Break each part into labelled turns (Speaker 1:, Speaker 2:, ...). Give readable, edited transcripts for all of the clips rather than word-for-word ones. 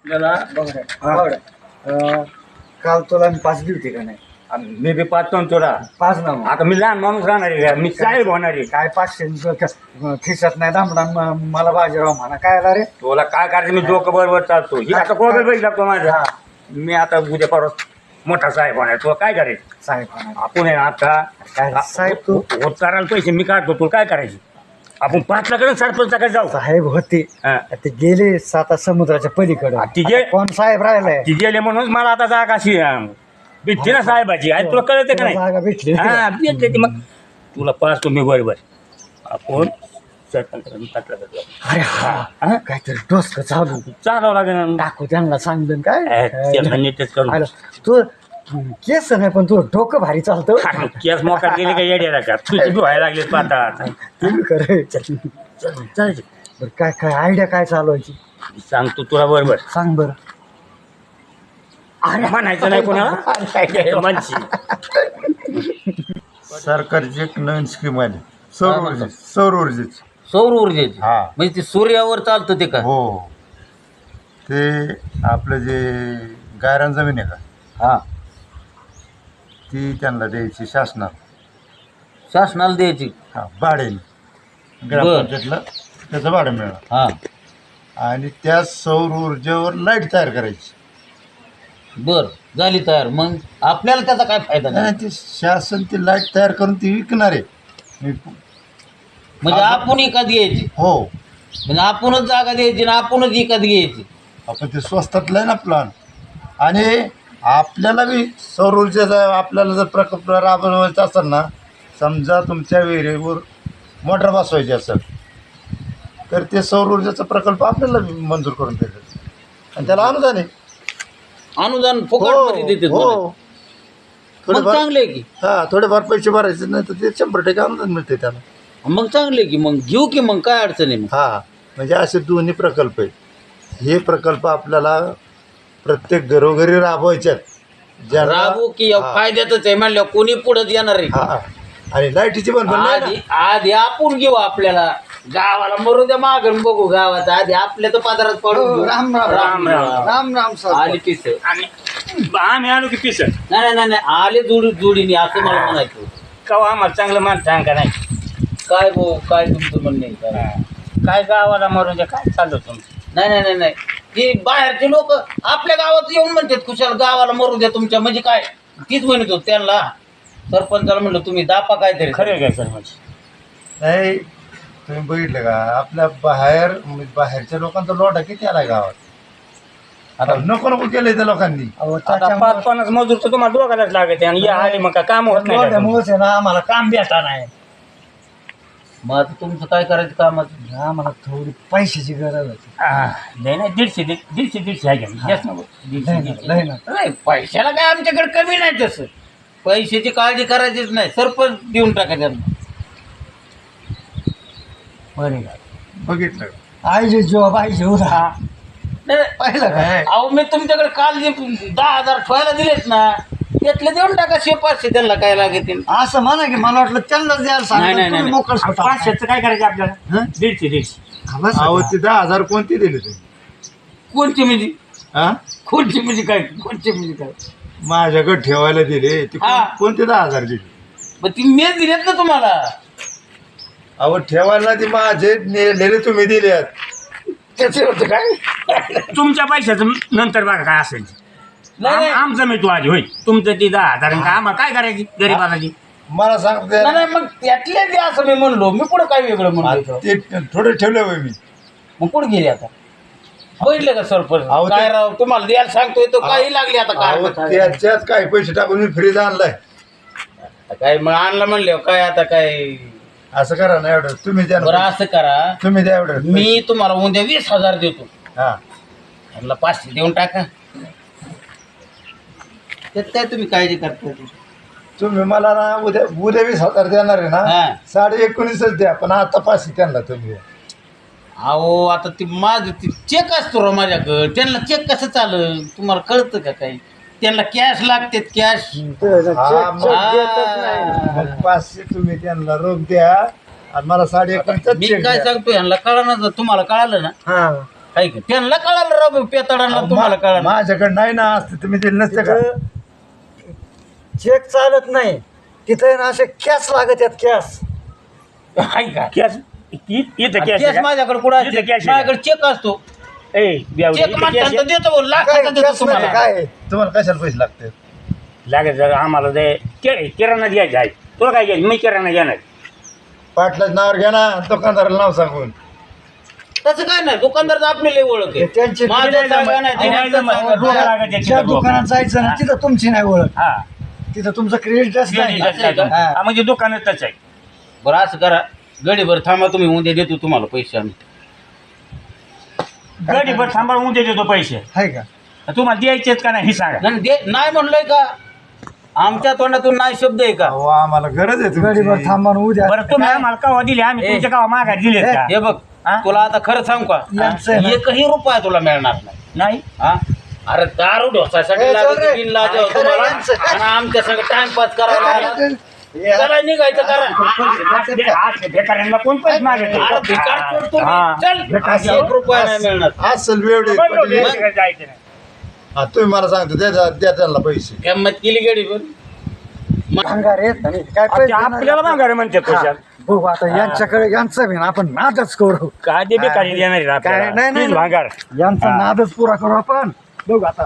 Speaker 1: मला
Speaker 2: काल तुला मी 5 दिली होती का नाही?
Speaker 1: मी बी पाहतो ना तुला.
Speaker 2: 5 ना मग.
Speaker 1: आता मी लहान माणूस राहणार आहे का? मी साहेब होणार आहे.
Speaker 2: काय 500 खिशात नाही दामडा मला बाजीराव म्हणा काय आला रे?
Speaker 1: तुला काय करायचं? मी डोकं बरोबर चालतो. ही आता कोबे बैल लागतो माझा. मी आता उद्या परत मोठा साहेब होणार. तुला काय करायचं?
Speaker 2: साहेब म्हणा.
Speaker 1: आपण आहे ना आता
Speaker 2: काय साहेब तू?
Speaker 1: होत करायला पैसे मी काढतो. तुला काय करायचं? आपण 5 लाखाकडे सरपंचाकडे जाऊ.
Speaker 2: साहेब होते
Speaker 1: हा.
Speaker 2: ते गेले 7 समुद्राच्या पलीकडे.
Speaker 1: ती गे-
Speaker 2: कोण साहेब राहिलाय?
Speaker 1: ती गेले म्हणून मला आता जागा अशी भेटते ना साहेबाची. आणि तुला कळते का नाही?
Speaker 2: जागा भेटली.
Speaker 1: हा भेटते ती. मग तुला पाहतो मी बरोबर. आपण सरपंचाकडे 5 लाखाकडे जाऊ.
Speaker 2: अरे हा काहीतरी डोसकं चालू
Speaker 1: चालावं लागेल.
Speaker 2: टाकू त्यांना सांगलं काय
Speaker 1: त्यांना नीटच करून.
Speaker 2: आलं. तू केस नाही पण तू डोकं भारी चालतं.
Speaker 1: केस मोकार गेले का येड्या का तुझी व्हायला लागले पाहता.
Speaker 2: तुम्ही करे
Speaker 1: चालायचं.
Speaker 2: बरं काय काय आयडिया काय चालवायची
Speaker 1: सांगतो तुला बरोबर.
Speaker 2: सांग बरं.
Speaker 1: अरे म्हणायचं नाही कोणाला मानशी.
Speaker 3: सरकारची एक नवीन स्कीम आली सौर ऊर्जेची.
Speaker 4: सौर ऊर्जेची
Speaker 3: हा
Speaker 4: म्हणजे ते सूर्यावर चालतं ते का?
Speaker 3: हो ते आपलं जे गायरान जमीन आहे का
Speaker 4: हा
Speaker 3: ती त्यांना द्यायची
Speaker 4: शासनाला द्यायची.
Speaker 3: हा भाड्याने ग्रामपंचायतला त्याचं भाडं मिळणार
Speaker 4: हा
Speaker 3: आणि त्या सौर ऊर्जेवर लाईट तयार करायची.
Speaker 4: बर झाली तयार. मग आपल्याला त्याचा काय फायदा नाही?
Speaker 3: आणि ती शासन ती लाईट तयार करून ती विकणार आहे.
Speaker 4: म्हणजे आपण विकत घ्यायची.
Speaker 3: हो
Speaker 4: म्हणजे आपणच जागा द्यायची ना आपणच विकत घ्यायची.
Speaker 3: आपण ते स्वस्तातलं आहे ना प्लॅन. आणि आपल्याला बी सौर ऊर्जेचा आपल्याला जर प्रकल्प राबवायचा असेल ना, समजा तुमच्या विहिरीवर मोटर बसवायची असेल तर ते सौर ऊर्जेचा प्रकल्प आपल्याला बी मंजूर करून देतात आणि त्याला अनुदान आहे.
Speaker 4: अनुदान फुकटमध्ये देते.
Speaker 3: हो
Speaker 4: मग
Speaker 3: थोडेफार
Speaker 4: चांगले की.
Speaker 3: हां थोडेफार पैसे भरायचे नाही तर ते 100% अनुदान मिळते त्याला.
Speaker 4: मग चांगले की. मग घेऊ की. मग काय अडचण आहे? मग
Speaker 3: हां म्हणजे असे दोन्ही प्रकल्प आहेत. हे प्रकल्प आपल्याला प्रत्येक घरोघरी राबवायचे आहेत. ज्यांना
Speaker 4: राबू की फायद्यातच आहे म्हणल्यावर कोणी पुढे येणार आहे.
Speaker 3: हां आणि लाईटीची पण नाही ना.
Speaker 4: आधी आपण घेऊ. आपल्याला गावाला मरू द्या मागून बघू. गावात आधी आपल्या तर पदारात पडू.
Speaker 2: राम राम
Speaker 1: राम राम.
Speaker 2: राम राम सर.
Speaker 4: आली पिस.
Speaker 1: आणि आम्ही आलो की पिसर
Speaker 4: नाही आले जोडीने असं मला म्हणायचं.
Speaker 1: कवा आम्हाला चांगलं मान सांग का नाही.
Speaker 4: काय भाऊ काय तुमचं म्हणणं आहे का?
Speaker 1: काय गावाला मरून द्या. काय चाललं तुमचं?
Speaker 4: नाही ती बाहेरचे लोक आपल्या गावात येऊन म्हणतात खुशाल गावाला मरू द्या तुमच्या. म्हणजे काय तीच म्हणत होत त्यांना. सरपंचाला म्हणलं तुम्ही दापा काहीतरी.
Speaker 1: खरं काय सर म्हणजे
Speaker 3: नाही तुम्ही बघितलं का आपल्या बाहेरच्या लोकांचा लोटा किती आला गावात. आता नको केलंय त्या लोकांनी.
Speaker 1: आता 5-50 मजूर तर तुम्हाला दोघालाच लागत आणि या आले मग काय काम होत नाही का?
Speaker 2: त्यामुळेच आहे ना आम्हाला काम भेटा नाही.
Speaker 4: मग आता तुमचं काय करायचं कामाचं?
Speaker 2: आम्हाला थोडी पैशाची गरज होती.
Speaker 1: नाही 150 आहे का? जास्त नको. 150.
Speaker 2: नाही ना
Speaker 4: नाही पैशाला काय आमच्याकडे कमी नाही तसं. पैशाची काळजी करायचीच नाही. सरपंच देऊन टाका त्यांना.
Speaker 2: बरे
Speaker 3: बघितलं का?
Speaker 2: आईचे जॉब आईचे उदा पाहिलं काय?
Speaker 4: अहो मी तुमच्याकडे काल जे 10,000 ठेवायला दिलेत ना त्यातले देऊन टाका 500 त्यांना काय लागेल.
Speaker 2: असं म्हणा की मला वाटलं त्यांनाच द्यायला
Speaker 4: नाही,
Speaker 2: सांगितलं.
Speaker 4: नाही.
Speaker 2: तुम्ही मोकळं सोडा.
Speaker 1: 500चं काय करायचं आपल्याला?
Speaker 2: हं?
Speaker 1: 150.
Speaker 2: बस
Speaker 3: अहो ते 10,000 कोणती दिले तुम्ही?
Speaker 4: कोणची म्हणजे
Speaker 3: हा
Speaker 4: कोणची म्हणजे काय? कोणची म्हणजे काय?
Speaker 3: माझ्याकडे ठेवायला दिले ते
Speaker 4: हा.
Speaker 3: कोणते 10,000 दिले?
Speaker 4: मग ती मी दिलेत ना तुम्हाला.
Speaker 3: अहो ठेवायला ते माझे नेलेले तुम्ही दिलेत.
Speaker 4: त्याचे होतं काय?
Speaker 1: तुमच्या पैशाचं नंतर बघा काय असेल.
Speaker 4: नाही
Speaker 1: आमचं मी तू आधी होय. तुमचं ती 10,000 का आम्हाला काय करायची गरीबाची?
Speaker 3: मला सांगते
Speaker 4: नाही मग त्यातले द्या असं मी म्हणलो. मी पुढं काय वेगळं म्हणलो.
Speaker 3: ते थोडे ठेवले होय मी.
Speaker 4: मग कुठं गेले आता? बघितलं का सरपंच?
Speaker 3: अहो, ते-
Speaker 4: काय राव तुम्हाला द्यायला सांगतोय तो काही लागली आता
Speaker 3: अहो,
Speaker 4: काय
Speaker 3: त्याच्यात काही पैसे टाकून मी फ्रीज आणलाय.
Speaker 4: काय मग आणलं म्हणले काय आता काय?
Speaker 3: असं करा ना एवढं तुम्ही द्या
Speaker 4: बरं
Speaker 3: ना.
Speaker 4: असं करा.
Speaker 3: तुम्ही द्या एवढं.
Speaker 4: मी तुम्हाला उद्या 20,000 देतो.
Speaker 3: हा
Speaker 4: यांना 500 देऊन टाका. त्यात काय तुम्ही काळजी करताय?
Speaker 3: तुम्ही मला ना उद्या 20,000 देणार आहे ना.
Speaker 4: हा.
Speaker 3: 19,500 द्या पण आता 500 त्यांना तुम्ही द्या.
Speaker 4: अहो आता ती माझं ती चेक असतो रो माझ्याकडं. त्यांना चेक कसं चालेल तुम्हाला कळतं का काही? त्यांना कॅश लागते कॅश.
Speaker 3: हा, मग 500 तुम्ही त्यांना रोख द्या आणि मला 1,500
Speaker 4: मी
Speaker 3: चेक
Speaker 4: काय
Speaker 3: द्या.
Speaker 4: सांगतो यांना कळणार तुम्हाला कळालं ना
Speaker 2: हा
Speaker 4: आहे का त्यांना कळालं राव पेताडांना तुम्हाला कळालं
Speaker 3: माझ्याकडे नाही ना असते तुम्ही दिलं नसते का
Speaker 2: चेक चालत नाही तिथे ना असे कॅश लागत आहेत कॅश.
Speaker 4: आहे का
Speaker 1: कॅश इथं कॅश
Speaker 4: केस माझ्याकडे कुठं
Speaker 1: इथं
Speaker 4: असते?
Speaker 1: cash आहे.
Speaker 4: माझ्याकडे चेक असतो
Speaker 1: ए ब्यावडी,
Speaker 4: चेक
Speaker 1: इथं
Speaker 4: म्हणतात
Speaker 1: cash
Speaker 4: तर देतो भाऊ, लाखाचा
Speaker 2: काय
Speaker 4: देतो
Speaker 2: कॅश
Speaker 4: तुम्हाला
Speaker 2: म्हणजे काय
Speaker 3: तुम्हाला कशाला पैसे लागते
Speaker 1: लागेल जर आम्हाला ते किराणा द्यायचा आहे. तुला काय घ्यायचं मी किराणा घेणार.
Speaker 3: पाटलाच नावावर घ्या ना दुकानदाराला नाव सांगून.
Speaker 4: तसं काय नाही दुकानदार आपली लय ओळख आहे
Speaker 2: त्यांची
Speaker 4: माझं जागा नाही, ते
Speaker 1: नाही
Speaker 4: त्यांचं
Speaker 1: जमत.
Speaker 4: जागा
Speaker 1: डोकं
Speaker 4: नाही.
Speaker 1: लागत
Speaker 2: ज्या
Speaker 1: याची
Speaker 2: दुकानात जायचं ना तिथं तुमची नाही ओळख,
Speaker 1: हा
Speaker 2: तिथं तुमचं क्रेडिटच नाही.
Speaker 1: हा, म्हणजे दुकानातच आहे.
Speaker 4: बरं असं करा गडीभर थांबा तुम्ही उद्या देतो तुम्हाला पैसे आम्ही
Speaker 1: गडीभर सांभाळून देतो पैसे.
Speaker 2: आहे का
Speaker 1: तुम्हाला द्यायचेत का नाही हे सांगा.
Speaker 4: नाही म्हणलंय का आमच्या तोंडातून नाही शब्द आहे का
Speaker 3: अहो आम्हाला गरज आहे
Speaker 2: गडीवर
Speaker 3: तुमची.
Speaker 2: थांबा ना उद्या.
Speaker 1: बरं तुम्ही आम्हाला कवा दिले आम्ही
Speaker 4: ए.
Speaker 1: तुमच्या गावा माघार दिलेत का?
Speaker 4: हे बघ
Speaker 1: हा?
Speaker 4: तुला आता खरं सांगू का
Speaker 2: यांचं आहे ना.
Speaker 4: एकही रुपया तुला मिळणार नाही
Speaker 1: नाही
Speaker 4: हा अरे दारू ढोसासाठी
Speaker 2: ए,
Speaker 4: लागत
Speaker 2: चल रे.
Speaker 4: बिन लाजा
Speaker 2: अरे,
Speaker 4: होतो
Speaker 2: खरं
Speaker 4: मला
Speaker 2: यांचं.
Speaker 4: आणि आमच्या सगळं टाइमपास करायला लागला. चला निघायचं करा
Speaker 1: आज बेकाऱ्यांना कोण पैसे मागत
Speaker 4: अरे भिकार पडतो मी.
Speaker 1: हा.
Speaker 4: चल एक रुपया नाही मिळणार
Speaker 3: असेल वेळ
Speaker 1: जायचं नाही.
Speaker 3: हा तुम्ही मला सांगतो द्या त्यांना पैसे.
Speaker 4: गंमत केली गडी पण
Speaker 2: भांगार आहेत आणि काय
Speaker 1: आता
Speaker 2: पैसे
Speaker 1: आपल्याला
Speaker 2: नाही.
Speaker 1: माघार म्हणते पैशात.
Speaker 2: बघू आता यांच्याकडे यांचं बी ना आपण नादच करू.
Speaker 1: काय ते बेकारी देणार आहेत
Speaker 2: काय
Speaker 1: आपल्याला.
Speaker 2: नाही, नाही,
Speaker 1: तीच भांगार.
Speaker 2: यांचा
Speaker 1: हा.
Speaker 2: नादच पुरा करू आपण. बघू आता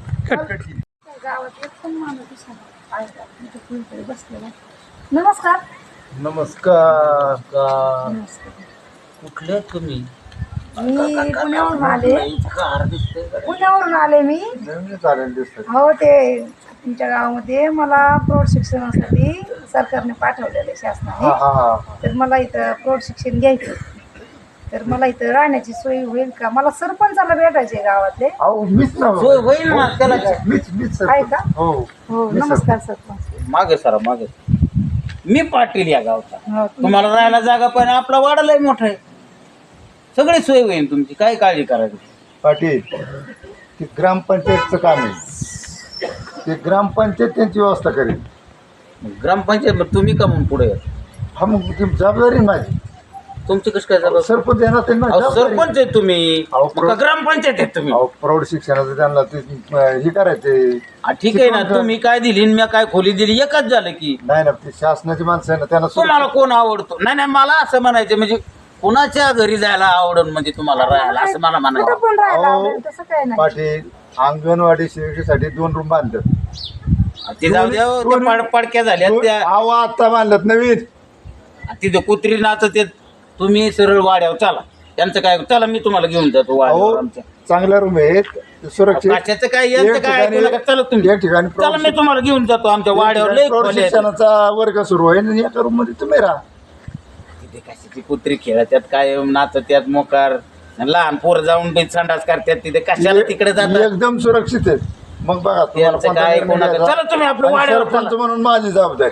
Speaker 5: गावात एक पण माणूस दिसेना. आहे का? इथं कोणीतरी बसलेला आहे. नमस्कार.
Speaker 3: नमस्कार.
Speaker 5: नमस्कार.
Speaker 4: कुठले तुम्ही
Speaker 5: मी पुण्यावरून आले.
Speaker 4: कार दिसतोय
Speaker 5: पुण्यावरून आले मी.
Speaker 3: नवीन चालेल दिसत.
Speaker 5: हो ते तुमच्या गावामध्ये मला प्रौढ शिक्षणासाठी सरकारने पाठवलेलं आहे शासनाने.
Speaker 3: हा
Speaker 5: तर मला इथं प्रौढ शिक्षण घ्यायचं. तर मला इथं राहण्याची सोय होईल का? मला सरपंचाला भेटायचे गावातले.
Speaker 3: अहो मीच ना
Speaker 4: सोय होईल ना त्याला
Speaker 3: मीच
Speaker 5: आहे का?
Speaker 3: हो
Speaker 5: हो
Speaker 3: मी
Speaker 5: नमस्कार सरपंच.
Speaker 4: मागे सरा मागे मी पाटील या गावचा
Speaker 5: हो, तुम्ही-
Speaker 4: तुम्हाला राहायला जागा पण आपला वाडा लय मोठा आहे सगळी सोय होईल तुमची काय काळजी करायची
Speaker 3: पाटील ते ग्रामपंचायतचं काम आहे. ते ग्रामपंचायत त्यांची व्यवस्था करेल.
Speaker 4: ग्रामपंचायत मग तुम्ही का म्हणून पुढे येता?
Speaker 3: हा मग ती जबाबदारी माझी.
Speaker 4: तुमची कशी काय जबाबदारी?
Speaker 3: सरपंच येणार त्यांना
Speaker 4: अहो,
Speaker 3: जबाबदारी.
Speaker 4: सरपंच आहे तुम्ही
Speaker 3: अहो,
Speaker 4: मग का ग्रामपंचायत आहे तुम्ही
Speaker 3: अहो प्रौढ शिक्षणाचं त्यांना ते हे करायचे.
Speaker 4: हा, ठीक आहे ना तुम्ही काय दिली आणि मी काय खोली दिली एकच झालं की
Speaker 3: नाही ना ते शासनाची माणसं आहे ना त्यांना
Speaker 4: तुम्हाला कोण आवडतो नाही नाही मला असं म्हणायचं म्हणजे कुणाच्या घरी जायला आवडून म्हणजे तुम्हाला राहायला असं मला
Speaker 5: कुठं
Speaker 4: म्हणायचं
Speaker 5: पण राहायला
Speaker 3: अहो,
Speaker 5: आवडेल, तसं काय नाही.
Speaker 3: पाटील अंगणवाडी सेविकेसाठी 2 रूम बांधतात.
Speaker 4: ते जाऊ द्या हो, त्या पडक्या झाल्या त्या
Speaker 3: अहो आता बांधल्यात नवीन.
Speaker 4: तिथे कुत्री नाचत येत तुम्ही सरळ वाड्यावर चला त्यांचं काय चला मी तुम्हाला घेऊन जातो
Speaker 3: अहो
Speaker 4: वाड्यावर आमच्या
Speaker 3: चांगल्या रूम आहेत सुरक्षित.
Speaker 4: कशाचं काय यांचं काय ऐकू नका. चला तुम्ही
Speaker 3: एक ठिकाणी
Speaker 4: चला मी तुम्हाला घेऊन जातो आमच्या वाड्यावर लय
Speaker 3: प्रौढ
Speaker 4: खोल्या आहेत.
Speaker 3: शिक्षणाचा वर्ग सुरू होईल आणि एका रूम मध्ये तुम्ही राहा.
Speaker 4: तिथे कशाची कुत्री खेळतात काय नाचत्यात मोकार लहान पोर जाऊन बी संडास करतात तिथे कशाला तिकडे जातात
Speaker 3: एकदम सुरक्षित आहेत. मग बघा तुम्हाला
Speaker 4: त्यांचं
Speaker 3: कोणता
Speaker 4: काय
Speaker 3: निर्णय
Speaker 4: कोणाचं
Speaker 3: घ्यायचा.
Speaker 4: चला तुम्ही आपलं
Speaker 3: आणि
Speaker 4: वाड्यावर
Speaker 3: सरपंच
Speaker 4: चला.
Speaker 3: म्हणून माझी जबाबदारी.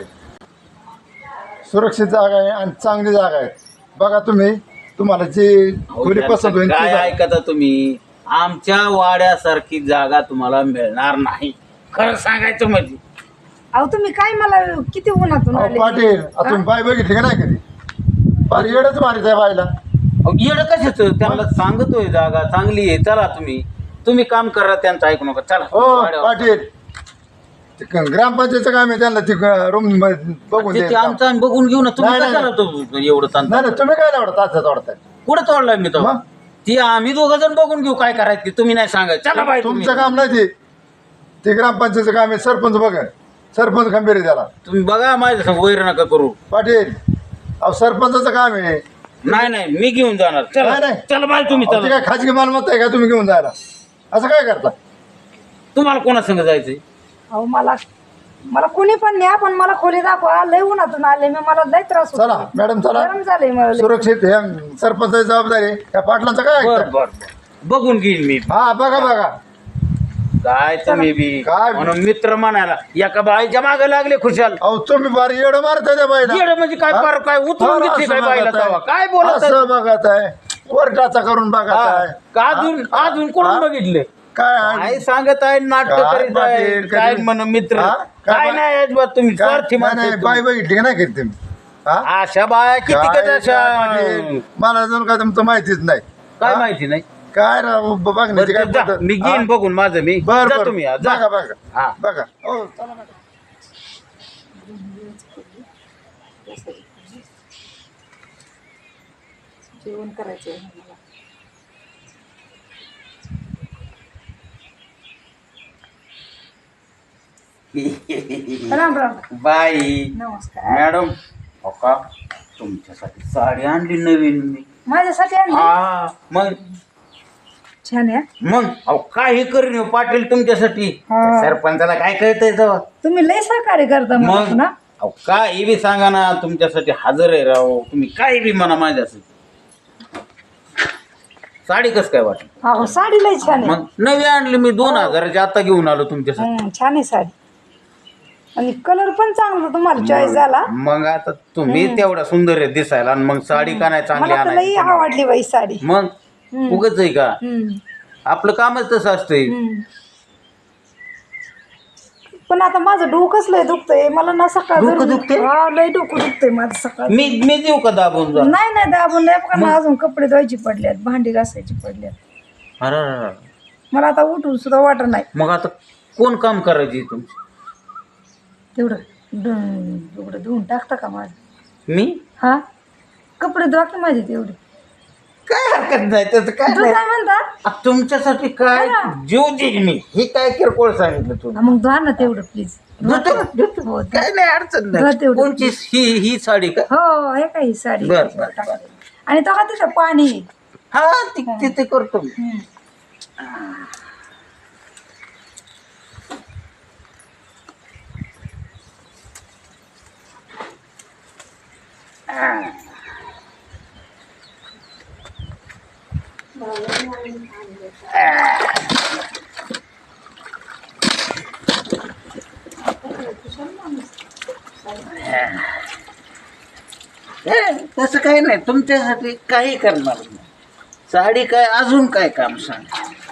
Speaker 3: सुरक्षित जागा आहे आणि चांगली जागा आहे. बघा तुम्ही तुम्हाला जी
Speaker 4: अहो,
Speaker 3: खोली पसंत होईल ती
Speaker 4: काय
Speaker 3: जागा.
Speaker 4: ऐकता तुम्ही आमच्या वाड्यासारखी जागा तुम्हाला मिळणार नाही खरं सांगायचं म्हणजे
Speaker 5: अहो तुम्ही काय मला किती उन्हातून
Speaker 3: अहो,
Speaker 5: आले?
Speaker 3: पाटील आता तुम्ही बाय बघितली का नाही कधी? फार येडच मारित आहे बायला.
Speaker 4: येड कशाच त्यांना सांगतोय जागा चांगली आहे चला तुम्ही काम करा त्यांचं ऐकू नका चला
Speaker 3: हो
Speaker 4: वाड्यावर.
Speaker 3: पाटील ते ग्रामपंचायतचं काम आहे त्यांना ती रूम बघून
Speaker 4: ते
Speaker 3: द्यायचं.
Speaker 4: आमचं आम्ही बघून घेऊ ना तुम्ही
Speaker 3: नाही,
Speaker 4: कशाला तो एवढं ताण
Speaker 3: नाही नाही तुम्ही काय नाही तात्या तोडताय.
Speaker 4: कुठं तोडलाय मी तो
Speaker 3: मग?
Speaker 4: ती आम्ही दोघं जण बघून घेऊ काय करायचं ते. तुम्ही नाही सांगायचं चला बाई
Speaker 3: तुमचं काम नाही ते. ते ग्रामपंचायतचं काम आहे. सरपंच बघा सरपंच खंबीर आहे त्याला.
Speaker 4: तुम्ही बघा माझ्या संग वैर नका करू
Speaker 3: पाटील अहो सरपंचाचं काम आहे.
Speaker 4: नाही मी घेऊन जाणार चला
Speaker 3: नाही, नाही.
Speaker 4: चला बाई तुम्ही
Speaker 3: अहो, ते
Speaker 4: चला
Speaker 3: काय खाजगी मालमत्ता आहे का तुम्ही घेऊन जायला? असं काय करता?
Speaker 4: तुम्हाला कोणा संग जायचंय
Speaker 5: अहो मला कोणी पण न्या पण मला खोली दाखवा. लय उन्हातून आले मी, मला लय त्रास होतो.
Speaker 3: चला मॅडम चला.
Speaker 5: गरम झालंय मला लय.
Speaker 3: सुरक्षित हे सरपंचाची जबाबदारी आहे. त्या पाटलांचं काय
Speaker 4: बर
Speaker 3: ऐकता?
Speaker 4: बर बघून घेईन मी
Speaker 3: हा बघा
Speaker 4: काय तुम्ही बी
Speaker 3: काय?
Speaker 4: म्हणून मित्र म्हणायला एका बाईच्या मागे लागले खुशाल
Speaker 3: अहो तुम्ही बार येडं मारताय त्या बाईला.
Speaker 4: येडं म्हणजे काय
Speaker 3: हा?
Speaker 4: फार काय उतरून
Speaker 3: फार
Speaker 4: घेतली
Speaker 3: असं
Speaker 4: काय बाईला
Speaker 3: बघत आहे.
Speaker 4: तेव्हा? काय बोलत आहे?
Speaker 3: असं बघत आहे कोर्टाचा करून बघत
Speaker 4: हा.
Speaker 3: आहे.
Speaker 4: का अजून कोण
Speaker 3: हा?
Speaker 4: बघितले
Speaker 3: काय
Speaker 4: काय सांगत आहे नाटक
Speaker 3: काय
Speaker 4: करीत आहे
Speaker 3: पाटील,
Speaker 4: काय
Speaker 3: कधी-
Speaker 4: म्हण मित्र
Speaker 3: हा?
Speaker 4: काय
Speaker 3: काय
Speaker 4: नाही अजिबात तुम्ही
Speaker 3: काय-
Speaker 4: स्वार्थी
Speaker 3: नाही,
Speaker 4: माणसं
Speaker 3: नाही,
Speaker 4: आहे
Speaker 3: बाई
Speaker 4: तुम्ही.
Speaker 3: बघितली का नाही कधी तुम्ही? हा?
Speaker 4: अशा बाया किती
Speaker 3: काय
Speaker 4: कधी अशा
Speaker 3: पाटील, मला अजून काय तुमचं माहितीच नाही.
Speaker 4: काय
Speaker 3: हा?
Speaker 4: माहिती नाही
Speaker 3: काय राव बघण्याची काय
Speaker 4: बरं, जा.
Speaker 3: पद्धत?
Speaker 4: मी घेईन
Speaker 3: हा?
Speaker 4: बघून माझं मी
Speaker 3: बर
Speaker 4: जा
Speaker 3: बर
Speaker 4: तुम्ही आज, जा.
Speaker 3: बघा बघा
Speaker 4: हा
Speaker 3: बघा हो चला ना.
Speaker 5: जेवण करायचं आहे मला. राम राम.
Speaker 4: बाई
Speaker 5: नमस्कार.
Speaker 4: मॅडम हो का तुमच्यासाठी साडी आणली नवीन मी
Speaker 5: माझ्यासाठी आणली?
Speaker 4: हा मग
Speaker 5: छान आहे.
Speaker 4: मग अहो काही करीन हो पाटील तुमच्यासाठी
Speaker 5: हा.
Speaker 4: सरपंचाला काय कळतंय तेव्हा
Speaker 5: तुम्ही लय सहकार्य करता मला
Speaker 4: मग
Speaker 5: ना.
Speaker 4: अहो काही बी सांगा ना तुमच्यासाठी हजर आहे राव तुम्ही काही बी म्हणा माझ्यासाठी साडी कस काय वाटत
Speaker 5: हो साडी लय छान आहे.
Speaker 4: मग नवी आणली मी 2000ची आता घेऊन आलो तुमच्यासाठी
Speaker 5: छान आहे साडी आणि कलर पण चांगला तुम्हाला चॉईस झाला.
Speaker 4: मग आता तुम्ही तेवढा सुंदर आहे दिसायला आणि मग साडी का नाही चांगली
Speaker 5: मला तर लई
Speaker 4: आणायची
Speaker 5: आवडली बाई साडी.
Speaker 4: मग उगच आहे का
Speaker 5: हम्म.
Speaker 4: आपलं कामच तसं असतंय
Speaker 5: हम्म. पण आता माझं डोकंच लय दुखतंय मला ना सकाळ
Speaker 4: डोकं दुखतंय?
Speaker 5: हा लय डोकं दुखतंय माझं सकाळ.
Speaker 4: मी देऊ का दाबून जा
Speaker 5: नाही नाही दाबून नाही बघा ना अजून कपडे धुवायची पडल्यात भांडी घासायची पडल्यात
Speaker 4: अरे अरे, अरे.
Speaker 5: मला आता उठून सुद्धा वाटत नाही
Speaker 4: मग आता कोण काम करायची तुमची
Speaker 5: तेवढं एवढं धुवून टाकता का माझं?
Speaker 4: मी
Speaker 5: हा कपडे धुवा की माझे तेवढे.
Speaker 4: काय हरकत नाही त्याचं काय
Speaker 5: तू
Speaker 4: नाही
Speaker 5: काय म्हणता?
Speaker 4: आ, तुमच्यासाठी काय
Speaker 5: हा.
Speaker 4: जीव देईन मी हे काय किरकोळ सांगितलं तू
Speaker 5: हा, मग धुवा ना तेवढं प्लीज.
Speaker 4: धुतो ना, धुतो.
Speaker 5: हो,
Speaker 4: काय नाही अडचण
Speaker 5: धुवा
Speaker 4: नाही
Speaker 5: तेवढं.
Speaker 4: कोणची ही साडी का
Speaker 5: हो हे काही साडी
Speaker 4: बर, बर, बर.
Speaker 5: आणि तो का तिथं पाणी आहे.
Speaker 4: हा ते करतो मी
Speaker 5: हम्म.
Speaker 4: तसं काही नाही तुमच्यासाठी काही करणार नाही साडी काय अजून काय काम सांग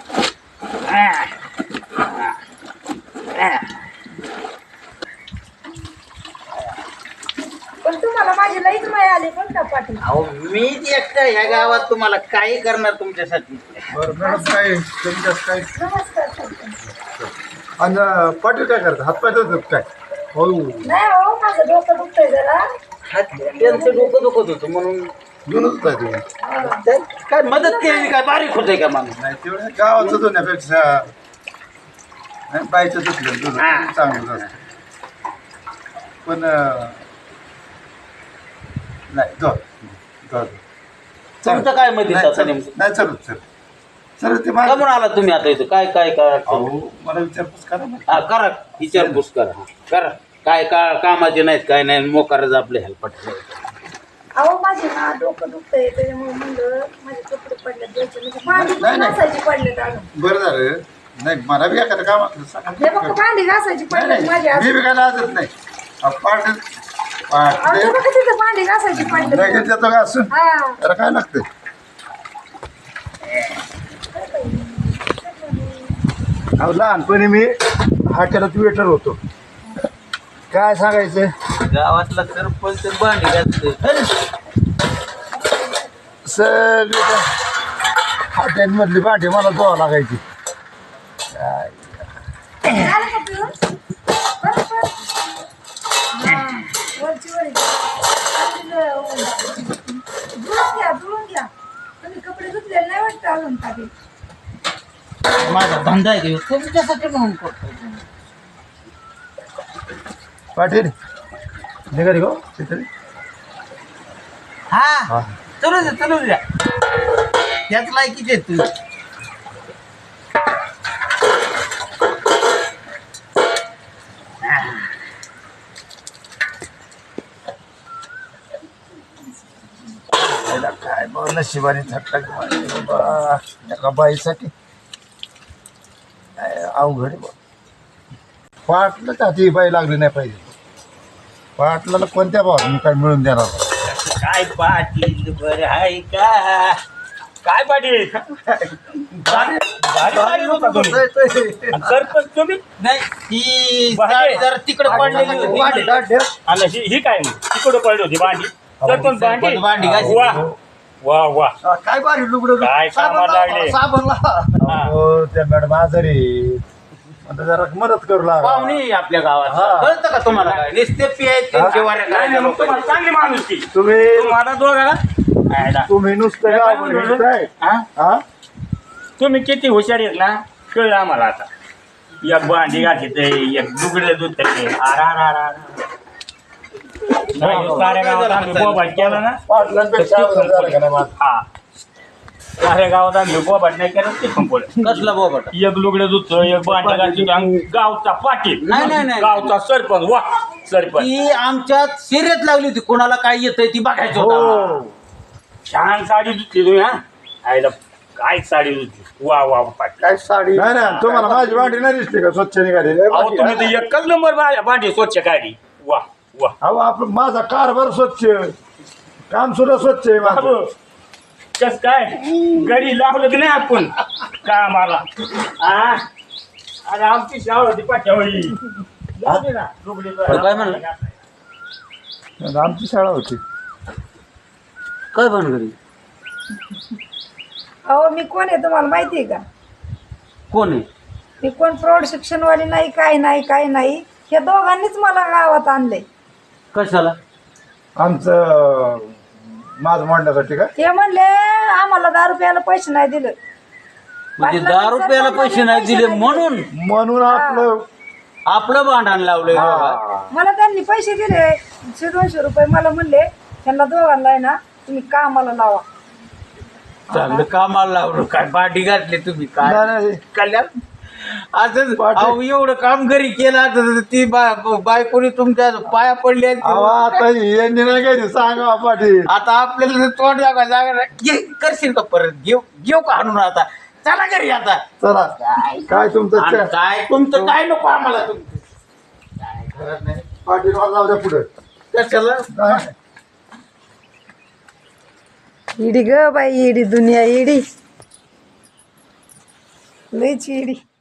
Speaker 5: पण तुम्हाला माझी लईच माया आली पण का पाटील.
Speaker 4: अहो मी एकटा ह्या गावात तुम्हाला काही करणार तुमच्यासाठी
Speaker 3: बरं मॅडम काय तुमच्यात काय
Speaker 5: नमस्कार सरपंच.
Speaker 3: आणि पाटील काय करतात हातपाय धुतात काय हो
Speaker 5: नाही हो माझं डोकं दुखतंय जरा.
Speaker 4: त्यांचं डोकं दुखत होतं म्हणून
Speaker 3: जुनच काय तुम्ही
Speaker 4: त्यात काय मदत केली काय बारीक होतंय का माणूस
Speaker 3: नाही तेवढं गावाचं धुण्यापेक्षा नाही, बाईचं धुतलं तुझं
Speaker 4: हा.
Speaker 3: चांगलं असतं पण नाही धुवा
Speaker 4: तुमचं काय मत आहे आता नेमकं
Speaker 3: नाही चलत सर सर ते
Speaker 4: का
Speaker 3: माझं
Speaker 4: म्हणून आला तुम्ही आता इथं काय काय काय
Speaker 3: अहो मला विचारपूस करा ना
Speaker 4: हा करा विचारपूस करा हा, करा काय का कामाचे नाहीत काय नाही मोकारच आपले हेल्पट
Speaker 5: अहो माझे ना डोकं दुखतंय त्याच्यामुळे म्हणलं माझे कपडे पडले द्यायचे म्हणजे भांडी
Speaker 3: नाही, नाही.
Speaker 5: घासायची पडलेत अजून.
Speaker 3: बरं झालं नाही मला बी एखादं काम असलं सांगा.
Speaker 5: हे बघ भांडी घासायची
Speaker 3: नाही,
Speaker 5: पडलेत माझे
Speaker 3: नाही, मी
Speaker 5: अजून.
Speaker 3: बी काय लाजत नाही पाठ
Speaker 5: अहो, ते बघा तिथं भांडी घासायची पडलेत.
Speaker 3: लगेच येतो का असून
Speaker 5: हा
Speaker 3: त्याला काय लागतंय अहो लहानपणी मी हॉटेलात वेटर होतो काय सांगायचं
Speaker 4: गावातला सरपंच भांडी घालतोय
Speaker 3: सगळी हॉटेलमधली भांडी मला धुवा लागायची
Speaker 5: झालं का पिऊन? बस, बस. हा, वरची वर आहे. धुवून घ्या धुवून घ्या. तुम्ही कपडे धुतलेले नाही वाटतं अजून काही.
Speaker 4: माझा धंदा आहे देऊ तुमच्यासाठी म्हणून करतो
Speaker 3: पाटील निघाली गो तिथे
Speaker 4: हा चलू द्या त्याच लायकीचे आहेत तुम्ही
Speaker 3: काय बघ नशिबाने थट्टा बाबा एका बाईसाठी काय अवघड आहे बघ पाटलं का ती बाई लागली नाही पाहिजे पाटलाला कोणत्या भावाने काय मिळून देणार
Speaker 1: काय पाटील बरं आहे का काय पाटील गाडी होता तुम्ही. आणि सरपंच तुम्ही
Speaker 4: नाही ही
Speaker 1: भांडी.
Speaker 4: साडी जरा तिकडे पडलेली होती
Speaker 1: आणि ही काय मग तिकडं पडली होती भांडी सरपंच भांडी
Speaker 4: भांडी घासायची.
Speaker 1: वा वा वा
Speaker 2: काय भारी लुगडं
Speaker 1: काय कामाला लागले.
Speaker 2: साबणला
Speaker 3: हो त्या मॅडम आजारी आहेत. आता जरा मदत करू लागा
Speaker 4: पाहुणे आपल्या गावात
Speaker 3: हा.
Speaker 4: कळतं का तुम्हाला काय नुसते पियायचे
Speaker 3: हा.
Speaker 4: जेवाऱ्या
Speaker 1: नाही नाही, मग तुम्हाला चांगली माणूस की
Speaker 3: तुम्ही
Speaker 1: तुम्हाला दोघाला आयला.
Speaker 3: तुम्ही नुसतं
Speaker 1: काय
Speaker 3: गाव
Speaker 1: म्हणलं?
Speaker 3: फिरताय.
Speaker 1: हा?
Speaker 3: हा
Speaker 1: तुम्ही किती हुशार आहेत ना कळलं आम्हाला आता. एक भांडी घालते एक दुगडे दूध नाही, साऱ्या गावात आम्ही बोबाट केला ना.
Speaker 3: पाटलांपेक्षा अवघड झालं का नाही माझं?
Speaker 1: हा साऱ्या गावात आम्ही बोबाट नाही केलं ते पण पडेल.
Speaker 4: कसला बोबट
Speaker 1: एक लुगडे दूध एक भांडी घालते आणि गावचा पाटील
Speaker 4: नाही, नाही, नाही.
Speaker 1: गावचा सरपंच वा सरपंच
Speaker 4: ती आमच्यात शर्यत लागली होती कोणाला काय येतंय ती बघायचं होतं
Speaker 3: हो
Speaker 1: छान साडी धुतली तुम्ही. हा आईला काय साडी धुतली. वा वा पाटील.
Speaker 2: काय साडी
Speaker 3: नाही ना तुम्हाला माझी भांडी नाही दिसली का स्वच्छ निघाली
Speaker 1: अहो तुम्ही तर एकच नंबर भांडी स्वच्छ काढली. वा वा
Speaker 3: अहो आपलं माझा कारभार स्वच्छ काम सुद्धा स्वच्छ आहे माझं.
Speaker 1: बाबू कस काय गडी लावलं की नाही आपण कामाला. हा अरे आमची शाळा होती पाठ्यावळी. जाऊ दे ना, लुगडे
Speaker 4: अरे काय म्हणलं?
Speaker 3: आमची शाळा होती.
Speaker 4: काय भानगडी
Speaker 5: अहो मी कोण आहे तुम्हाला माहिती आहे का?
Speaker 4: कोण आहे
Speaker 5: मी कोण प्रौढ शिक्षणवाली नाही, काय नाही काय नाही. हे दोघांनीच मला गावात आणलंय.
Speaker 4: कशाला
Speaker 3: आमचं माझं मांडण्यासाठी का
Speaker 5: ते म्हणले आम्हाला 10 रुपयाला पैसे नाही दिलं.
Speaker 4: म्हणजे 10 रुपयाला पैसे नाही दिले म्हणून
Speaker 3: म्हणून आपलं
Speaker 4: आपलं भांडण लावलंय बाबा.
Speaker 3: हा.
Speaker 5: मला त्यांनी पैसे दिले 100-200 रुपये. मला म्हणले त्यांना दोघांना आहे ना तुम्ही कामाला लावा.
Speaker 4: चांगलं कामाला लावलं काय पाठी घातली तुम्ही काय
Speaker 3: नाही, नाही.
Speaker 4: कल्याण असंच अहो एवढं काम घरी केलं आता ती बायकोनी तुमच्या पाया पडली आहेत.
Speaker 3: अहो, आता यांनी नाही काही सांगा पाटील.
Speaker 4: आता आपल्याला तोंड जागा जागा नाही. करशील का परत घेऊ का आणून आता चला घरी आता.
Speaker 3: चला काय तुमचं
Speaker 4: आणि
Speaker 3: च्या-
Speaker 4: काय तुमचं काय नको आम्हाला तुमचं काय खरं नाही
Speaker 3: पाटील मला जाऊ द्या पुढे
Speaker 4: कशाला
Speaker 3: काय?
Speaker 5: इडी ग बाई, इडी दुनिया इडी, लईच इडी.